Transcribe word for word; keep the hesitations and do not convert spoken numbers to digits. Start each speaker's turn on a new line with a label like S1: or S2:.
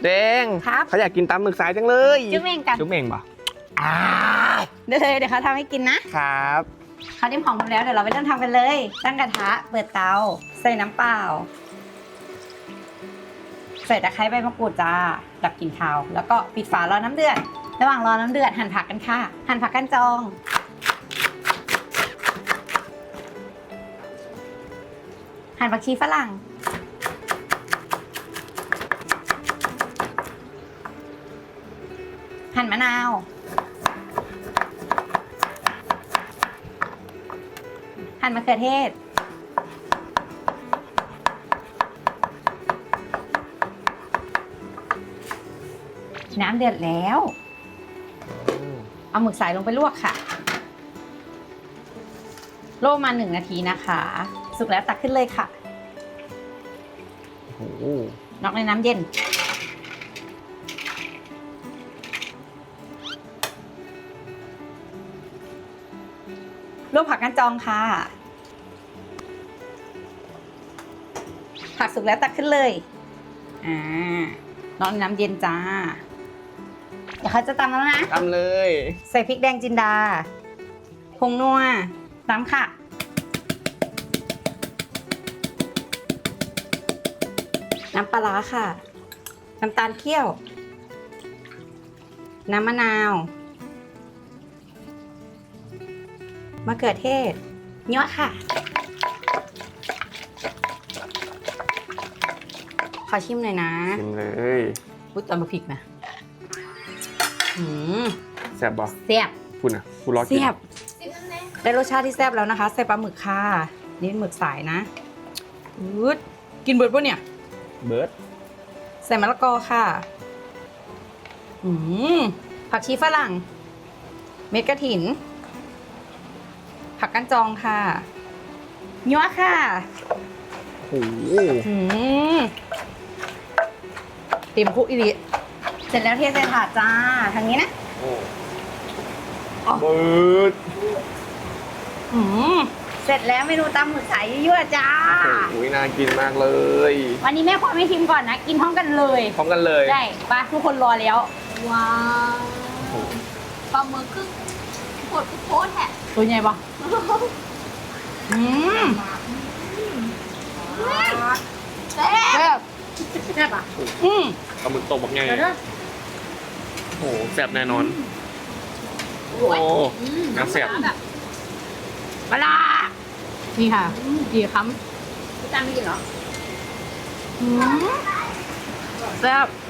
S1: เด้ง
S2: ครับ
S1: เขาอยากกินตำหมึกสายจังเลย
S2: จุ๊บเองกัน
S1: จุ๊บเองป่ะ
S2: อ่าเดี๋ยวเลยเดี๋ยวเขาทำให้กินนะครับ เขาเตรียมของหมดแล้วเดี๋ยวเราไปเริ่มทำกันเลย ตั้งกระทะเปิดเตาใส่น้ำเปล่าใส่ตะไคร้ใบมะกรูดจ้าดับกลิ่นคาวแล้วก็ปิดฝารอน้ำเดือดระหว่างรอน้ำเดือดหั่นผักกันค่ะหั่นผักกันจองหั่นผักชีฝรั่งหั่นมะนาวหั่นมะเขือเทศน้ำเดือดแล้วเอาหมึกสายลงไปลวกค่ะลวกมาหนึ่งนาทีนะคะสุกแล้วตักขึ้นเลยค่ะ
S1: โอ้โห
S2: นอกในน้ำเย็นลวกผักกันจองค่ะผักสุกแล้วตักขึ้นเลยอ่านอกในน้ำเย็นจ้าเดี๋ยวเขาจะตำแล้วนะ
S1: ตำเลย
S2: ใส่พริกแดงจินดาผงนัวตามค่ะน้ำปลาร้าค่ะน้ำตาลเคี่ยวน้ำมะนาวมะเขือเทศยั่วค่ะขอชิมหน่อยนะ
S1: ชิมเลย
S2: พูดตอนมาพริกนะอืม
S1: แซ่บบ่
S2: แซ่บ
S1: พูดนะพูดรอกิน
S2: แซ่บได้รสชาติที่แซ่บแล้วนะคะใส่ปลาหมึกค่ะนี่หมึกสายนะอืดกินเบิร์ดปะเนี่ย
S1: เบิร์ด
S2: ใส่มะละกอค่ะอืมผักชีฝรั่ง เม็ดกระถิน ผักกันจองค่ะยั่วค่ะ
S1: โอ้โห
S2: อืมเต็มคุกอีริเสร็จแล้วเทใส่ถาดจ้าทางนี้นะ อ๋อ
S1: เบิร์ด
S2: อืมเสร็จแล้วเมนูตำหมึกสายยั่วๆจ้า
S1: โอ้ยน่ากินมากเลย
S2: วันนี้แม่ขอไม่ชิมก่อนนะ กินพร้อมกันเลย
S1: พร้อมกันเลย
S2: ได้ปะทุกคนรอแล้ว
S3: ว้าว
S1: โอ้โห
S3: ปลาหมึกครึ่งโคตรโคตรแหะ
S2: ตัวใหญ่ปะอืม
S3: แซ่บ
S2: แซ่บ
S3: แซ่บอ่ะ
S2: อืม
S1: ปลาหมึกตกบักไง
S3: เดี๋ยวนะ
S1: โอ้โหแซ่บแน่นอน
S3: โอ้
S1: โอ้
S3: ยอืม
S1: น่าแซ่บ
S3: แบบ
S2: ปลานี่ค่ะกี่ค
S3: พี่จานไม่กินเหรอ
S2: ำอืมแซ่บ